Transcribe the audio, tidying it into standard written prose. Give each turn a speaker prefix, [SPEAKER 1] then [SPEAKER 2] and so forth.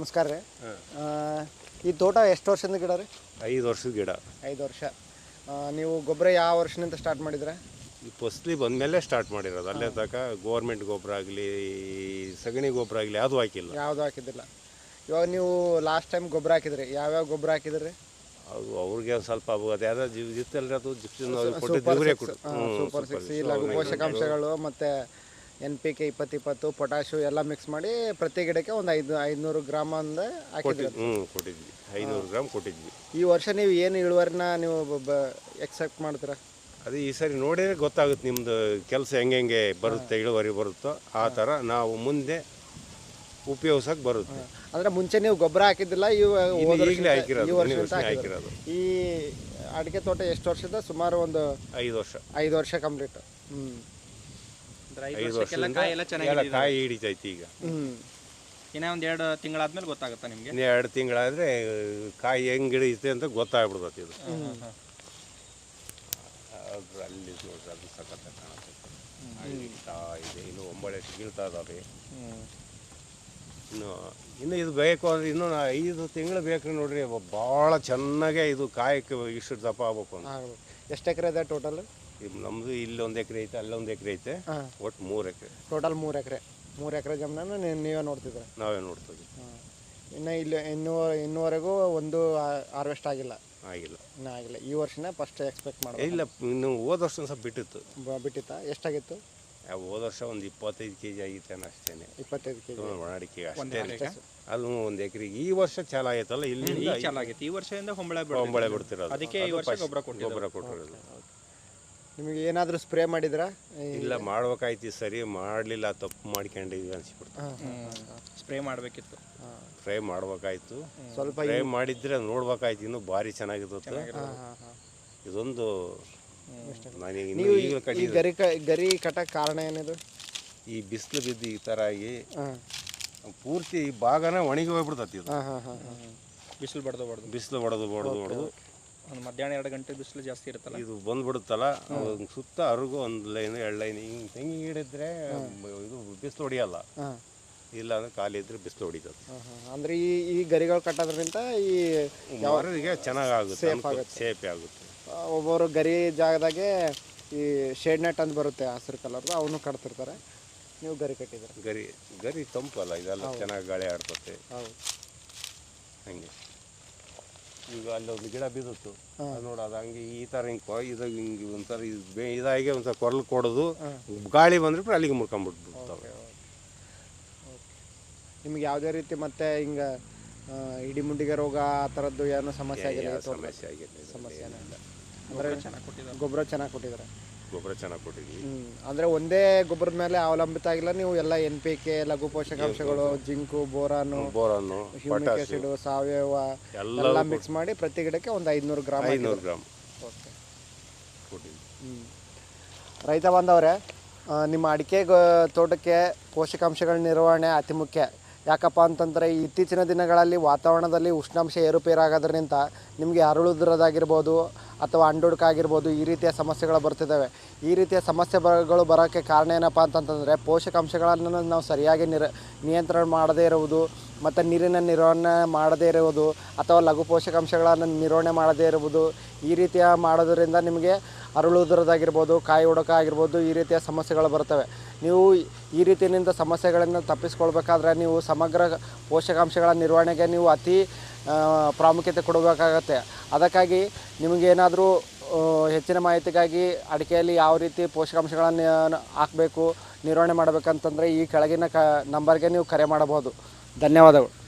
[SPEAKER 1] ನಮಸ್ಕಾರ ರೀ. ಈ ತೋಟ ಎಷ್ಟು ವರ್ಷದ ಗಿಡ ರೀ?
[SPEAKER 2] 5 ವರ್ಷದ ಗಿಡ.
[SPEAKER 1] 5 ವರ್ಷ. ನೀವು ಗೊಬ್ಬರ ಯಾವ ವರ್ಷದಿಂದ ಸ್ಟಾರ್ಟ್ ಮಾಡಿದ್ರೆ?
[SPEAKER 2] ಈ ಫಸ್ಲಿ ಬಂದಮೇಲೆ ಸ್ಟಾರ್ಟ್ ಮಾಡಿರೋದು. ಅಲ್ಲೇ ತನಕ ಗೌರ್ಮೆಂಟ್ ಗೊಬ್ಬರ ಆಗಲಿ ಸಗಣಿ ಗೊಬ್ಬರ ಆಗಲಿ ಯಾವುದು ಹಾಕಿಲ್ಲ.
[SPEAKER 1] ಯಾವುದು ಹಾಕಿದ್ದಿಲ್ಲ. ಇವಾಗ ನೀವು ಲಾಸ್ಟ್ ಟೈಮ್ ಗೊಬ್ಬರ ಹಾಕಿದ್ರಿ, ಯಾವ್ಯಾವ ಗೊಬ್ಬರ ಹಾಕಿದ್ರಿ?
[SPEAKER 2] ಅದು ಅವ್ರಿಗೆ ಒಂದು ಸ್ವಲ್ಪ ಅದು ಯಾವ್ದು ಇತ್ತಲ್ರಿ, ಅದು
[SPEAKER 1] ಸೂಪರ್ 6 ಲಘು ಪೋಷಕಾಂಶಗಳು ಮತ್ತು NPK 20-20 ಪೊಟ್ಯಾಶು ಎಲ್ಲ ಮಿಕ್ಸ್ ಮಾಡಿ ಪ್ರತಿ ಗಿಡಕ್ಕೆ ಒಂದು 500 ಗ್ರಾಮ್ ಅಂದ ಹಾಕಿದ್ರಿ.
[SPEAKER 2] ಕೊಟ್ಟಿದ್ವಿ, 500 ಗ್ರಾಮ್ ಕೊಟ್ಟಿದ್ವಿ.
[SPEAKER 1] ಈ ವರ್ಷ ನೀವು ಏನು ಇಳುವರಿನ ನೀವು ಎಕ್ಸೆಪ್ಟ್ ಮಾಡ್ತೀರಾ?
[SPEAKER 2] ಅದು ಈ ಸರಿ ನೋಡಿದ್ರೆ ಗೊತ್ತಾಗುತ್ತೆ ನಿಮ್ಮದು ಕೆಲಸ ಹೆಂಗೆ ಬರುತ್ತೆ, ಇಳುವರಿ ಬರುತ್ತೋ ಆ ಥರ ನಾವು ಮುಂದೆ ಉಪಯೋಗಿಸೋಕೆ ಬರುತ್ತೆ.
[SPEAKER 1] ಅಂದರೆ ಮುಂಚೆ ನೀವು ಗೊಬ್ಬರ ಹಾಕಿದ್ದಿಲ್ಲ,
[SPEAKER 2] ಈಗಲೇ
[SPEAKER 1] ಹಾಕಿರೋದು. ಈ ಅಡಿಕೆ ತೋಟ ಎಷ್ಟು ವರ್ಷದ? ಸುಮಾರು ಒಂದು
[SPEAKER 2] 5 ವರ್ಷ.
[SPEAKER 1] 5 ವರ್ಷ ಕಂಪ್ಲೀಟ್.
[SPEAKER 2] 5 ವರ್ಷ ಕಾಯಿ ಹಿಡಿತೈತಿ. ಈಗ
[SPEAKER 3] ಇನ್ನೂ ಒಂದು 2 ತಿಂಗಳಾದ್ಮೇಲೆ ಗೊತ್ತಾಗುತ್ತಾ ನಿಮಗೆ?
[SPEAKER 2] 2 ತಿಂಗಳಾದರೆ ಕಾಯಿ ಹೆಂಗೆ ಹಿಡಿಯುತ್ತೆ ಅಂತ ಗೊತ್ತಾಗ್ಬಿಡ್ತೈತಿ. ಇದು ಅಲ್ಲಿ ನೋಡ್ರಿ, ಅದು ಸಖತ್ ಕಾಣುತ್ತೆ. ಇನ್ನು ಒಂಬಳೆ ಸಿಗ್ತಾ ಇದಾವೆ. ಇನ್ನು ಇದು ಬೇಕು ಅಂದರೆ ಇನ್ನೂ 5 ತಿಂಗಳು ಬೇಕು ನೋಡ್ರಿ. ಭಾಳ ಚೆನ್ನಾಗೇ ಇದು ಕಾಯಕ್ಕೆ ಇಷ್ಟು ದಪ್ಪ ಆಗ್ಬೇಕು ಅಂತ.
[SPEAKER 1] ಎಷ್ಟು ಎಕರೆ ಇದೆ ಟೋಟಲ್?
[SPEAKER 2] ನಮ್ಮದು ಇಲ್ಲಿ 1 ಎಕರೆ ಐತೆ, ಅಲ್ಲೊಂದು ಎಕರೆ ಐತೆ, ಒಟ್ಟು 3 ಎಕರೆ.
[SPEAKER 1] ಟೋಟಲ್ 3 ಎಕರೆ. 3 ಎಕರೆ ಜಮೀನನ್ನು ನೀವೇ ನೋಡ್ತಿದ್ರೆ?
[SPEAKER 2] ನಾವೇ ನೋಡ್ತೀವಿ.
[SPEAKER 1] ಇನ್ನು ಇಲ್ಲಿ ಇನ್ನೂವರೆಗೂ ಒಂದು ಹಾರ್ವೆಸ್ಟ್ ಆಗಿಲ್ಲ? ಇನ್ನೂ ಆಗಿಲ್ಲ. ಈ ವರ್ಷನೇ ಫಸ್ಟ್ ಎಕ್ಸ್ಪೆಕ್ಟ್ ಮಾಡಿ?
[SPEAKER 2] ಇಲ್ಲ, ಇನ್ನು ಹೋದ ವರ್ಷ ಸ್ವಲ್ಪ
[SPEAKER 1] ಬಿಟ್ಟಿತ್ತಾ? ಎಷ್ಟಾಗಿತ್ತು?
[SPEAKER 2] ಹೋದ ವರ್ಷ ಒಂದು 25 kg ಆಗಿತ್ತೆ ಅಷ್ಟೇ.
[SPEAKER 1] 25 kg
[SPEAKER 2] ಒಣಡಿಕೆ ಅಷ್ಟೇ. ಅದು 1 ಎಕರೆಗೆ. ಈ ವರ್ಷ ಚೆನ್ನಾಗೈತಲ್ಲ, ಇಲ್ಲಿ
[SPEAKER 3] ಚೆನ್ನಾಗಿತ್ತು. ಈ ವರ್ಷದಿಂದ
[SPEAKER 2] ಹೊಂಬಳೆ ಬಿಡ್ತಿರೋದು.
[SPEAKER 3] ಅದಕ್ಕೆ ಈ ವರ್ಷ ಗೊಬ್ಬರ
[SPEAKER 2] ಕೊಟ್ಟಿರೋದು.
[SPEAKER 1] ನಿಮಗೆ ಏನಾದರೂ ಸ್ಪ್ರೇ ಮಾಡಿದ್ರಾ?
[SPEAKER 2] ಇಲ್ಲ, ಮಾಡ್ಬೇಕಾಯ್ತು. ಸರಿ ಮಾಡಲಿಲ್ಲ, ತಪ್ಪು ಮಾಡ್ಕೊಂಡಿದ್ವಿ ಅನ್ಸಿಬಿಡ್ತು.
[SPEAKER 3] ಸ್ಪ್ರೇ ಮಾಡಬೇಕಿತ್ತು.
[SPEAKER 2] ಫ್ರೈ ಮಾಡ್ಬೇಕಾಯ್ತು.
[SPEAKER 1] ಸ್ವಲ್ಪ
[SPEAKER 2] ಫ್ರೈ ಮಾಡಿದ್ರೆ ನೋಡ್ಬೇಕಾಯ್ತು, ಇನ್ನೂ ಭಾರಿ ಚೆನ್ನಾಗಿರುತ್ತೆ. ಇದೊಂದು
[SPEAKER 1] ನೀವು ಈ ಗರಿ ಕಟ್ಟಕ್ಕೆ ಕಾರಣ ಏನಿದು?
[SPEAKER 2] ಈ ಬಿಸಿಲು ಬಿದ್ದು ಈ ಥರ ಆಗಿ ಪೂರ್ತಿ ಭಾಗನ ಒಣಗಿ ಹೋಗ್ಬಿಡ್ತತಿ. ಇದು ಬಿಸಿಲು ಹೊಡೆದು
[SPEAKER 3] ಒಂದು ಮಧ್ಯಾಹ್ನ 2 ಗಂಟೆ ಬಿಸಿಲು ಜಾಸ್ತಿ ಇರುತ್ತಲ್ಲ,
[SPEAKER 2] ಇದು ಬಂದ್ಬಿಡುತ್ತಲ್ಲ. ಸುತ್ತ ಅರುಗು 1 ಲೈನ್ 2 ಲೈನ್ ಹಿಂಗೆ ತೆಂಗಿ ಹಿಡಿದ್ರೆ ಇದು ಬಿಸಿಲು ಹೊಡಿಯಲ್ಲ. ಇಲ್ಲ ಅಂದ್ರೆ ಖಾಲಿ ಇದ್ರೆ ಬಿಸಿಲು ಹೊಡಿತದೆ.
[SPEAKER 1] ಅಂದರೆ ಈ ಗರಿಗಳು ಕಟ್ಟೋದ್ರಿಂದ ಈ
[SPEAKER 2] ಮರರಿಗೆ ಚೆನ್ನಾಗುತ್ತೆ, ಸೇಫ್ ಆಗುತ್ತೆ.
[SPEAKER 1] ಒಬ್ಬರು ಗರಿ ಜಾಗದಾಗೆ ಈ ಶೇಡ್ ನೆಟ್ ಅಂತ ಬರುತ್ತೆ ಹಸಿರು ಕಲರ್ದು, ಅವನು ಕಟ್ತಿರ್ತಾರೆ. ನೀವು ಗರಿ ಕಟ್ಟಿದ್ರೆ
[SPEAKER 2] ಗರಿ ತಂಪಲ್ಲ, ಇದೆಲ್ಲ ಚೆನ್ನಾಗಿ ಗಾಳಿ ಆಡ್ತತೆ.
[SPEAKER 1] ಹೌದು,
[SPEAKER 2] ಹಂಗೆ. ಈಗ ಅಲ್ಲೊಂದು ಗಿಡ ಬಿದ್ದಿತ್ತು, ನೋಡು, ಅದು ಹಂಗೆ ಈ ಥರ ಹಿಂಗೆ ಒಂಥರ ಇದಾಗಿ ಒಂಥರ ಕೊರಲು ಕೊಡೋದು, ಗಾಳಿ ಬಂದ್ರೆ ಅಲ್ಲಿಗೆ ಮುರ್ಕೊಂಡ್ಬಿಟ್ಬಿಡ್ತಾವೆ.
[SPEAKER 1] ನಿಮ್ಗೆ ಯಾವುದೇ ರೀತಿ ಮತ್ತೆ ಹಿಂಗೆ ಇಡಿಮುಂಡಿಗೆ ರೋಗ ಆ ಥರದ್ದು ಏನೋ ಸಮಸ್ಯೆ ಆಗಿಲ್ಲ? ಸಮಸ್ಯೆ ಏನಿಲ್ಲ. ಅಂದರೆ ಗೊಬ್ಬರ ಚೆನ್ನಾಗಿ ಕೊಟ್ಟಿದ್ದಾರೆ. ಅಂದರೆ ಒಂದೇ ಗೊಬ್ಬರದ ಮೇಲೆ ಅವಲಂಬಿತ ಆಗಿಲ್ಲ ನೀವು. ಎಲ್ಲ NPK, ಲಘು ಪೋಷಕಾಂಶಗಳು, ಜಿಂಕು, ಬೋರಾನು, ಹ್ಯೂಮಿಕ್ ಆಸಿಡ್, ಸಾವಯವ ಎಲ್ಲ ಮಿಕ್ಸ್ ಮಾಡಿ ಪ್ರತಿ ಗಿಡಕ್ಕೆ ಒಂದು 500 ಗ್ರಾಮ್. ಓಕೆ. ರೈತ ಬಾಂಧವರೇ, ನಿಮ್ಮ ಅಡಿಕೆ ತೋಟಕ್ಕೆ ಪೋಷಕಾಂಶಗಳ ನಿರ್ವಹಣೆ ಅತಿ ಮುಖ್ಯ. ಯಾಕಪ್ಪ ಅಂತಂದರೆ ಇತ್ತೀಚಿನ ದಿನಗಳಲ್ಲಿ ವಾತಾವರಣದಲ್ಲಿ ಉಷ್ಣಾಂಶ ಏರುಪೇರಾಗೋದ್ರಿಂದ ನಿಮಗೆ ಅರಳುದ್ರದಾಗಿರ್ಬೋದು ಅಥವಾ ಅಂಡುಡ್ಕಾಗಿರ್ಬೋದು, ಈ ರೀತಿಯ ಸಮಸ್ಯೆಗಳು ಬರ್ತಿದ್ದಾವೆ. ಈ ರೀತಿಯ ಸಮಸ್ಯೆಗಳು ಬರೋಕ್ಕೆ ಕಾರಣ ಏನಪ್ಪ ಅಂತಂತಂದರೆ ಪೋಷಕಾಂಶಗಳನ್ನು ನಾವು ಸರಿಯಾಗಿ ನಿಯಂತ್ರಣ ಮಾಡದೇ ಇರುವುದು, ಮತ್ತು ನೀರಿನ ನಿರ್ವಹಣೆ ಮಾಡದೇ ಇರುವುದು, ಅಥವಾ ಲಘು ಪೋಷಕಾಂಶಗಳನ್ನು ನಿರ್ವಹಣೆ ಮಾಡದೇ ಇರುವುದು. ಈ ರೀತಿಯ ಮಾಡೋದರಿಂದ ನಿಮಗೆ ಅರಳುವುದರದಾಗಿರ್ಬೋದು, ಕಾಯಿ ಒಡಕ ಆಗಿರ್ಬೋದು, ಈ ರೀತಿಯ ಸಮಸ್ಯೆಗಳು ಬರ್ತವೆ. ನೀವು ಈ ರೀತಿಯಿಂದ ಸಮಸ್ಯೆಗಳನ್ನು ತಪ್ಪಿಸ್ಕೊಳ್ಬೇಕಾದ್ರೆ ನೀವು ಸಮಗ್ರ ಪೋಷಕಾಂಶಗಳ ನಿರ್ವಹಣೆಗೆ ನೀವು ಅತಿ ಪ್ರಾಮುಖ್ಯತೆ ಕೊಡಬೇಕಾಗತ್ತೆ. ಅದಕ್ಕಾಗಿ ನಿಮಗೇನಾದರೂ ಹೆಚ್ಚಿನ ಮಾಹಿತಿಗಾಗಿ ಅಡಿಕೆಯಲ್ಲಿ ಯಾವ ರೀತಿ ಪೋಷಕಾಂಶಗಳನ್ನು ಹಾಕಬೇಕು, ನಿರ್ವಹಣೆ ಮಾಡಬೇಕಂತಂದರೆ ಈ ಕೆಳಗಿನ ನಂಬರ್ಗೆ ನೀವು ಕರೆ ಮಾಡಬಹುದು. ಧನ್ಯವಾದಗಳು.